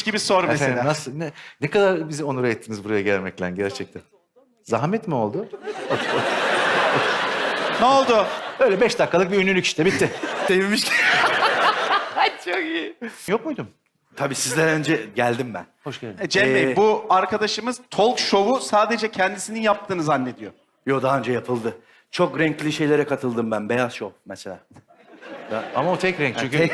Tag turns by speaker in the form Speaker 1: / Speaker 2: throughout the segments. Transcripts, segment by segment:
Speaker 1: gibi sor mesela.
Speaker 2: Efendim, nasıl, ne kadar bizi onur ettiniz buraya gelmekle gerçekten. Zahmet mi oldu?
Speaker 1: Ne oldu?
Speaker 2: Öyle 5 dakikalık bir ünlülük işte, bitti.
Speaker 3: Sevmiş.
Speaker 2: Çok iyi. Yok muydum?
Speaker 3: Tabii sizden önce geldim ben.
Speaker 2: Hoş geldin.
Speaker 1: Cem Bey, bu arkadaşımız talk show'u sadece kendisinin yaptığını zannediyor.
Speaker 3: Yo, daha önce yapıldı. Çok renkli şeylere katıldım ben. Beyaz şov mesela.
Speaker 2: Ama o tek renk çünkü.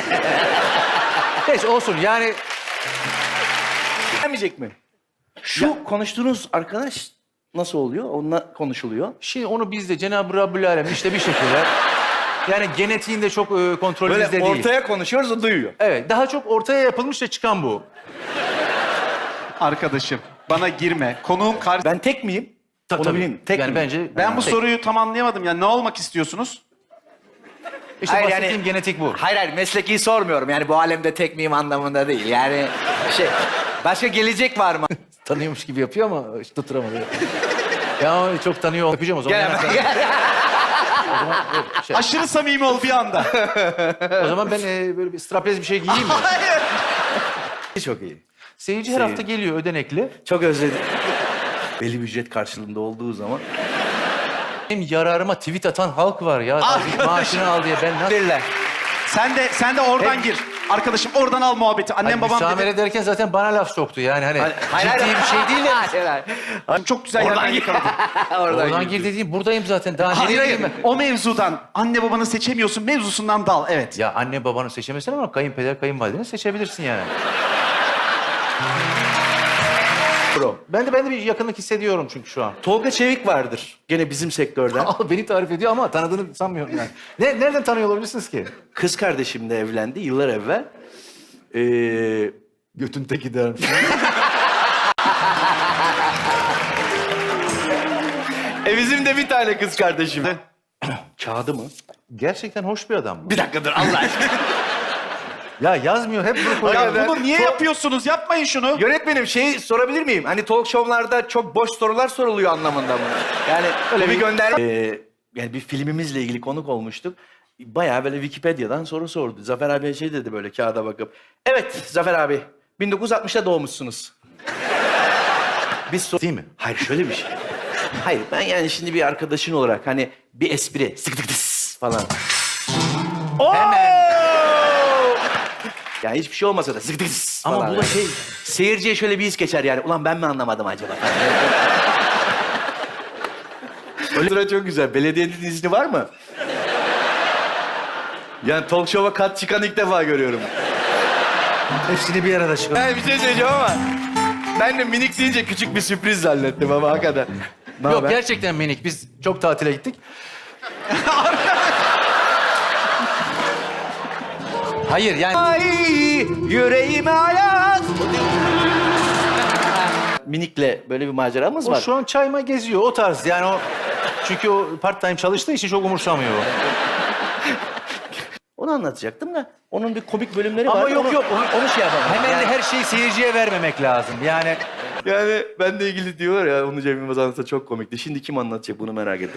Speaker 2: Neyse olsun yani.
Speaker 3: Gelmeyecek mi? Şu konuştuğunuz arkadaş nasıl oluyor? Onunla konuşuluyor.
Speaker 2: Şimdi onu biz de Cenab-ı Rabbül Alem işte bir şekilde. Yani genetiğinde çok kontrol
Speaker 3: Böyle
Speaker 2: bizde değil.
Speaker 3: ortaya konuşuyoruz, o duyuyor.
Speaker 2: Evet, daha çok ortaya yapılmış da çıkan bu.
Speaker 1: Arkadaşım, bana girme. Konuğum karşı...
Speaker 3: Ben tek miyim? Onu bileyim. Tek
Speaker 2: yani
Speaker 3: miyim?
Speaker 2: bence...
Speaker 1: Ben bu
Speaker 2: tek.
Speaker 1: soruyu tam anlayamadım. Yani ne olmak istiyorsunuz?
Speaker 2: İşte
Speaker 3: Hayır,
Speaker 2: bahsettiğim
Speaker 3: yani-
Speaker 2: genetik bu.
Speaker 3: Hayır, mesleki sormuyorum. Yani bu alemde tek miyim anlamında değil. Yani başka gelecek var mı?
Speaker 2: Tanıyormuş gibi yapıyor ama hiç tutturamadı. Ya çok tanıyor. Öpeceğim o zaman.
Speaker 3: Gel hemen, gel.
Speaker 2: O zaman, evet, şey.
Speaker 1: Aşırı samimi ol bir anda.
Speaker 2: O zaman ben böyle bir straplez bir şey giyeyim mi?
Speaker 3: Çok iyi.
Speaker 2: Seyirci her hafta geliyor ödenekli.
Speaker 3: Çok özledim. Belli bir ücret karşılığında olduğu zaman.
Speaker 2: Benim yararıma tweet atan halk var ya. Maaşını al diye ben nasıl...
Speaker 3: Verirler.
Speaker 1: Sen de oradan gir. Arkadaşım oradan al muhabbeti. Annem babam
Speaker 2: müsamere
Speaker 1: dedi.
Speaker 2: ederken zaten bana laf soktu yani hani
Speaker 3: Hayır,
Speaker 2: ciddi bir şey değil de.
Speaker 1: Çok güzel
Speaker 3: Oradan
Speaker 1: yerden
Speaker 3: gir.
Speaker 1: yakaladın.
Speaker 2: Oradan gir dediğim buradayım zaten. Daha
Speaker 1: Hayır
Speaker 2: nereye
Speaker 1: hayır.
Speaker 2: gireyim ben?
Speaker 1: O mevzudan anne babanı seçemiyorsun mevzusundan dal. Evet.
Speaker 2: Ya anne babanı seçemezsin ama kayınpeder kayınvalideni seçebilirsin yani.
Speaker 3: Bro.
Speaker 2: Ben de bir yakınlık hissediyorum çünkü şu an.
Speaker 3: Tolga Çevik vardır. Gene bizim sektörden.
Speaker 2: Al beni tarif ediyor ama tanıdığını sanmıyorum yani. Nereden tanıyor olabilirsiniz ki?
Speaker 3: Kız kardeşimle evlendi yıllar evvel.
Speaker 2: Götün teki dermiş.
Speaker 3: Bizim de bir tane kız kardeşim. Kağıdı mı?
Speaker 2: Gerçekten hoş bir adam bu.
Speaker 3: Bir dakika dur Allah aşkına.
Speaker 2: Ya yazmıyor hep bunu koyuyor.
Speaker 1: Ya bunu niye yapıyorsunuz? Yapmayın şunu.
Speaker 3: Yönetmenim sorabilir miyim? Hani talk show'larda çok boş sorular soruluyor anlamında mı? Yani öyle bir gönder... yani bir filmimizle ilgili konuk olmuştuk. Bayağı böyle Wikipedia'dan soru sordu. Zafer abi şey dedi böyle kağıda bakıp. Evet Zafer abi 1960'ta doğmuşsunuz. Biz
Speaker 2: Değil mi?
Speaker 3: Hayır şöyle bir şey. Hayır ben yani şimdi bir arkadaşın olarak hani bir espri sık tık tıs falan.
Speaker 2: Hemen.
Speaker 3: Yani hiçbir şey olmasa da sık tık tıs
Speaker 2: Ama
Speaker 3: falan
Speaker 2: bu da
Speaker 3: yani.
Speaker 2: şey...
Speaker 3: Seyirciye şöyle bir his geçer yani. Ulan ben mi anlamadım acaba? Öyle sıra çok güzel. Belediyenin izni var mı? Yani talk show'a kat çıkan ilk defa görüyorum.
Speaker 2: Hepsini bir arada çıkar.
Speaker 3: Yani bir şey söyleyeceğim ama ben de minik deyince küçük bir sürpriz zannettim ama hakikaten. Ne
Speaker 2: Yok
Speaker 3: haber?
Speaker 2: gerçekten minik. Biz çok tatile gittik. Hayır yani...
Speaker 3: Ay yüreğime hayat. Minikle böyle bir maceramız
Speaker 2: O
Speaker 3: var.
Speaker 2: şu an çayma geziyor o tarz yani o... Çünkü o part time çalıştığı için çok umursamıyor o.
Speaker 3: Onu anlatacaktım da onun bir komik bölümleri
Speaker 2: Ama
Speaker 3: var.
Speaker 2: yok.
Speaker 3: Onu şey yapamam.
Speaker 2: Hemen de her şeyi seyirciye vermemek lazım. Yani
Speaker 3: Yani benle ilgili diyorlar ya onu Cem Yılmaz anlatsa çok komikti. Şimdi kim anlatacak bunu merak ettim.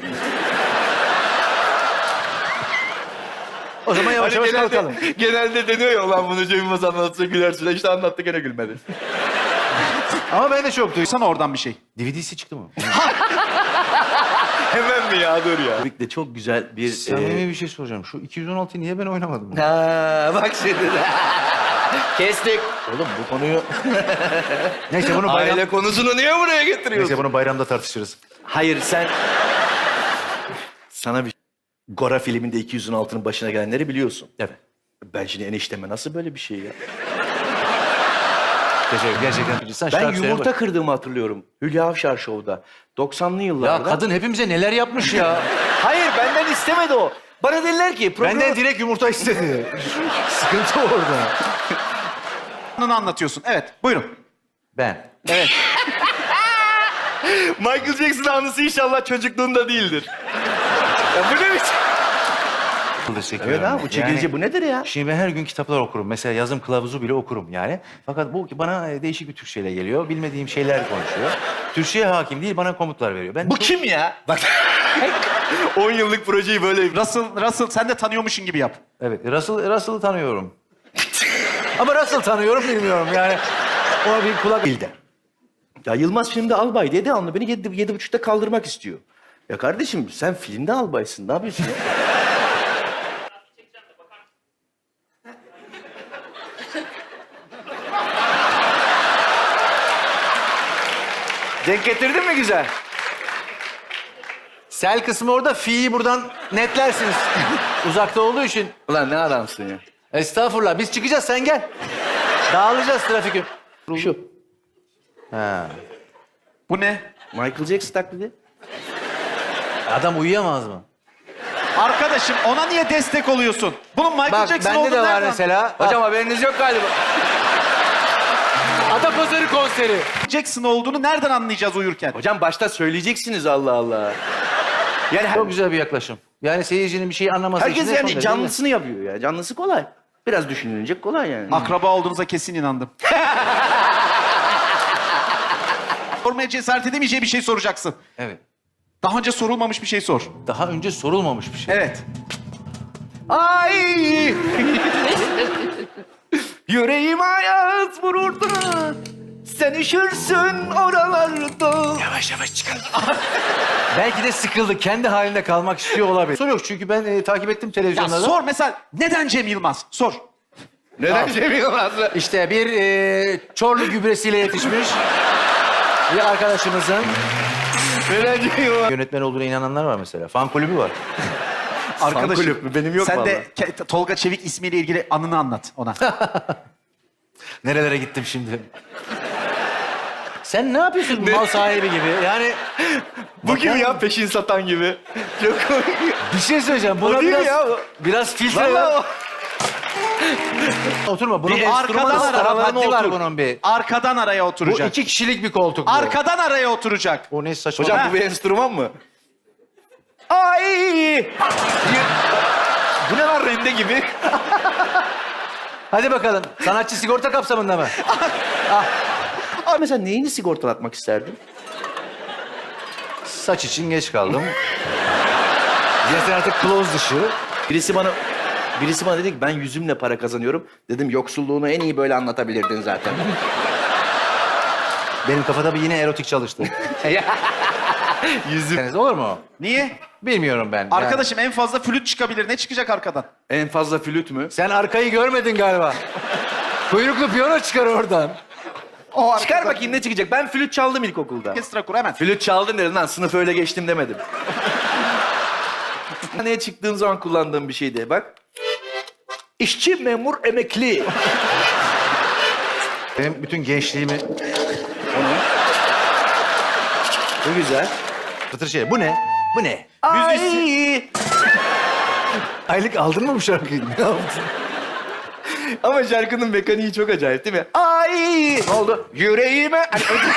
Speaker 2: o zaman yavaş yavaş kalkalım.
Speaker 3: Genelde deniyor ya ulan bunu Cem Yılmaz anlatsa gülersin. İşte anlattı gene gülmedi.
Speaker 2: Ama ben de çok duydum.
Speaker 1: Duysana oradan bir şey.
Speaker 2: DVD'si çıktı mı?
Speaker 3: Hemen mi ya dur ya. Tabii de çok güzel bir...
Speaker 2: Samimi bir şey soracağım. Şu 216'yı niye ben oynamadım?
Speaker 3: Ha, bak şimdi. Kestik.
Speaker 2: Oğlum bu konuyu... Neyse bunu bayram...
Speaker 3: Aile konusunu niye buraya getiriyorsun?
Speaker 2: Neyse bunu bayramda tartışırız.
Speaker 3: Hayır sen... Sana bir... Gora filminde 216'nın başına gelenleri biliyorsun.
Speaker 2: Evet.
Speaker 3: Ben şimdi enişteme nasıl böyle bir şey ya?
Speaker 2: Teşekkür gerçekten. Sen
Speaker 3: Ben
Speaker 2: şarkı söyle
Speaker 3: yumurta
Speaker 2: bak.
Speaker 3: kırdığımı hatırlıyorum. Hülya Avşar Show'da. 90'lı
Speaker 2: Ya
Speaker 3: yıllarda.
Speaker 2: kadın hepimize neler yapmış ya.
Speaker 3: Hayır benden istemedi o. Bana dediler ki...
Speaker 2: Benden direkt yumurta istedi. Sıkıntı orada.
Speaker 1: Bunu anlatıyorsun. Evet, buyurun.
Speaker 2: Ben.
Speaker 1: Evet.
Speaker 3: Michael Jackson anısı inşallah çocukluğunda değildir. Ya bu ne biçim? Evet abi bu çekilici bu nedir ya?
Speaker 2: Şimdi ben her gün kitaplar okurum. Mesela yazım kılavuzu bile okurum yani. Fakat bu bana değişik bir Türkçeyle geliyor. Bilmediğim şeyler konuşuyor. Türkçeye hakim değil, bana komutlar veriyor. Ben
Speaker 3: Bu kim ya? Bak 10 yıllık projeyi böyle...
Speaker 1: Russell sen de tanıyormuşsun gibi yap.
Speaker 2: Evet, Russell'ı tanıyorum. Ama nasıl tanıyorum bilmiyorum yani. Ona bir kulak bildi.
Speaker 3: Ya Yılmaz filmde albay diye devamlı beni 7.30'da kaldırmak istiyor. Ya kardeşim sen filmde albaysın. Ne yapıyorsun ya? Denk getirdin mi güzel?
Speaker 2: Sel kısmı orada, fi'yi buradan netlersiniz. Uzakta olduğu için.
Speaker 3: Ulan ne adamsın ya.
Speaker 2: Estağfurullah, biz çıkacağız, sen gel. Dağılacağız trafik.
Speaker 3: Şu.
Speaker 2: Ha.
Speaker 1: Bu ne?
Speaker 3: Michael Jackson taklidi.
Speaker 2: Adam uyuyamaz mı?
Speaker 1: Arkadaşım ona niye destek oluyorsun? Bunun Michael
Speaker 2: Bak
Speaker 1: Jackson
Speaker 2: bende
Speaker 1: olduğunu
Speaker 2: de var
Speaker 1: nereden-
Speaker 2: mesela.
Speaker 3: Hocam haberiniz yok galiba.
Speaker 2: Adapazarı konseri.
Speaker 1: Jackson olduğunu nereden anlayacağız uyurken?
Speaker 3: Hocam başta söyleyeceksiniz Allah Allah. Yani
Speaker 2: Çok güzel bir yaklaşım. Yani seyircinin bir şeyi anlaması
Speaker 3: herkes
Speaker 2: için de son
Speaker 3: yani
Speaker 2: derece
Speaker 3: canlısını yapıyor ya. Canlısı kolay. Biraz düşünülecek kolay yani.
Speaker 1: Akraba olduğunuza kesin inandım. Sormaya cesaret edemeyeceği bir şey soracaksın.
Speaker 2: Evet.
Speaker 1: Daha önce sorulmamış bir şey sor.
Speaker 2: Daha önce sorulmamış bir şey.
Speaker 1: Evet.
Speaker 3: Ay! Yüreğim hayat vururdu. Sen üşürsün oralarda.
Speaker 2: Yavaş yavaş çıkalım. Belki de sıkıldı. Kendi halinde kalmak istiyor olabilir. Soru yok çünkü ben takip ettim
Speaker 1: Ya
Speaker 2: televizyonlarda.
Speaker 1: sor mesela neden Cem Yılmaz? Sor.
Speaker 3: Neden Cem Yılmaz'la?
Speaker 2: İşte bir Çorlu gübresiyle yetişmiş bir arkadaşımızın
Speaker 3: Neden Cem Yılmaz?
Speaker 2: yönetmen olduğuna inananlar var mesela. Fan kulübü var.
Speaker 1: Arkadaşım.
Speaker 3: kulüp mü? Benim yok
Speaker 1: Sen
Speaker 3: vallahi.
Speaker 1: de Tolga Çevik ismiyle ilgili anını anlat ona.
Speaker 2: Nerelere gittim şimdi? Sen ne yapıyorsun mal sahibi gibi? Yani
Speaker 3: Bu gibi ya peşin satan gibi. Çok komik.
Speaker 2: bir şey söyleyeceğim. Buna
Speaker 3: O değil mi
Speaker 2: biraz,
Speaker 3: ya bu?
Speaker 2: biraz filtre
Speaker 3: Vallahi
Speaker 2: ver.
Speaker 3: o.
Speaker 2: Oturma. Bunun
Speaker 1: Bir
Speaker 2: bir
Speaker 1: arkadan
Speaker 2: enstrüman
Speaker 1: ara,
Speaker 2: haddi var
Speaker 1: otur.
Speaker 2: bunun bir.
Speaker 1: Arkadan araya
Speaker 2: Bu
Speaker 1: oturacak.
Speaker 2: 2 kişilik bir koltuk bu.
Speaker 1: Arkadan araya oturacak.
Speaker 2: O ne saçma.
Speaker 3: Hocam
Speaker 1: Ha.
Speaker 3: bu bir enstrüman mı? Ay! Bu ne lan rende gibi?
Speaker 2: Hadi bakalım. Sanatçı sigorta kapsamında mı?
Speaker 3: Abi mesela neyini sigortalatmak isterdin?
Speaker 2: Saç için geç kaldım. Zaten artık close dışı.
Speaker 3: Birisi bana dedi ki ben yüzümle para kazanıyorum. Dedim yoksulluğunu en iyi böyle anlatabilirdin zaten.
Speaker 2: Benim kafada bir yine erotik çalıştı.
Speaker 3: Yüzüm.
Speaker 2: Olur mu?
Speaker 1: Niye?
Speaker 2: Bilmiyorum ben.
Speaker 1: Arkadaşım en fazla flüt çıkabilir. Ne çıkacak arkadan?
Speaker 3: En fazla flüt mü?
Speaker 2: Sen arkayı görmedin galiba. Kuyruklu piyano çıkar oradan.
Speaker 1: O
Speaker 3: Çıkar bakayım ne çıkacak. Ben flüt çaldım ilkokulda.
Speaker 1: Orkestra kur hemen.
Speaker 3: Flüt çaldın dedin lan sınıf öyle geçtim demedim. Neye çıktığım zaman kullandığım bir şeydi bak. İşçi, memur, emekli.
Speaker 2: Benim bütün gençliğimi...
Speaker 3: Bu güzel.
Speaker 2: Fıtır şey. Bu ne? Bu ne?
Speaker 3: Ay!
Speaker 2: Aylık aldın mı bu şarkıyı? Ne yaptın?
Speaker 3: Ama şarkının mekaniği çok acayip değil mi? Ay! Ne oldu? Yüreğime...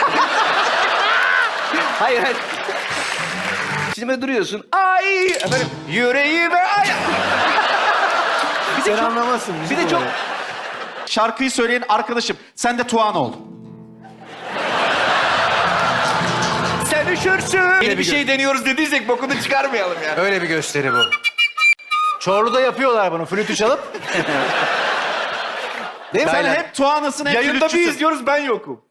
Speaker 3: hayır, hayır. Şimdi böyle duruyorsun. Ay! Efendim, yüreğime... Ay!
Speaker 2: Sen anlamazsın.
Speaker 3: Bir de çok...
Speaker 1: Şarkıyı söyleyen arkadaşım. Sen de Tuğan ol.
Speaker 3: Sen üşürsün. Yeni bir şey deniyoruz dediysek bokunu çıkarmayalım yani.
Speaker 2: Öyle bir gösteri bu. Çorlu'da yapıyorlar bunu. Flütü çalıp. Değil mi?
Speaker 1: Sen
Speaker 2: Aynen.
Speaker 1: hep Tuğan'ısın hem
Speaker 3: Yayında bir
Speaker 1: flütçüsün.
Speaker 3: izliyoruz ben yokum.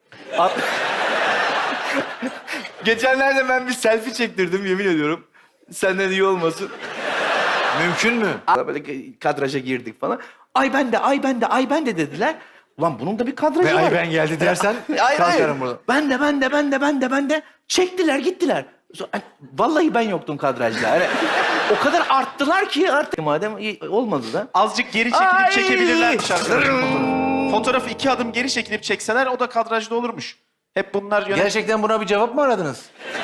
Speaker 3: Geçenlerde ben bir selfie çektirdim yemin ediyorum. Senden iyi olmasın.
Speaker 2: Mümkün mü?
Speaker 3: Böyle kadraja girdik falan. Ay ben de, ay ben de, ay ben de dediler. Ulan bunun da bir kadrajı
Speaker 2: Ve
Speaker 3: var.
Speaker 2: ay ben geldi dersen kalkarım burada.
Speaker 3: Ben de. Çektiler gittiler. Vallahi ben yoktum kadrajda. Yani, o kadar arttılar ki artık. Madem olmadı da.
Speaker 1: Azıcık geri çekilip
Speaker 3: Ay!
Speaker 1: çekebilirlermiş arkadaşım fotoğrafı. Fotoğrafı 2 adım geri çekilip çekseler o da kadrajda olurmuş. Hep bunlar
Speaker 2: Gerçekten buna bir cevap mı aradınız?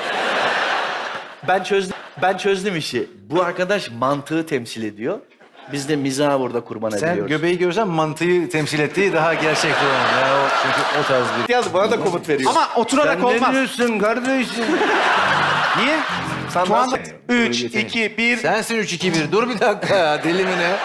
Speaker 3: Ben çözdüm işi. Bu arkadaş mantığı temsil ediyor. Biz de mizahı burada kurban
Speaker 2: Sen
Speaker 3: ediyoruz.
Speaker 2: göbeği görsen mantıyı temsil ettiği daha gerçekçi olur. Yani o, çünkü o tarz bir...
Speaker 3: Yaz bana da komut veriyor.
Speaker 1: Ama oturarak
Speaker 3: Sen
Speaker 1: olmaz.
Speaker 3: ne diyorsun kardeşim?
Speaker 1: Niye?
Speaker 3: Sen
Speaker 1: Tuğan
Speaker 3: nasıl-
Speaker 1: 3, 2, 1.
Speaker 2: Sensin 3-2-1. Dur bir dakika ya. Deli mi ne?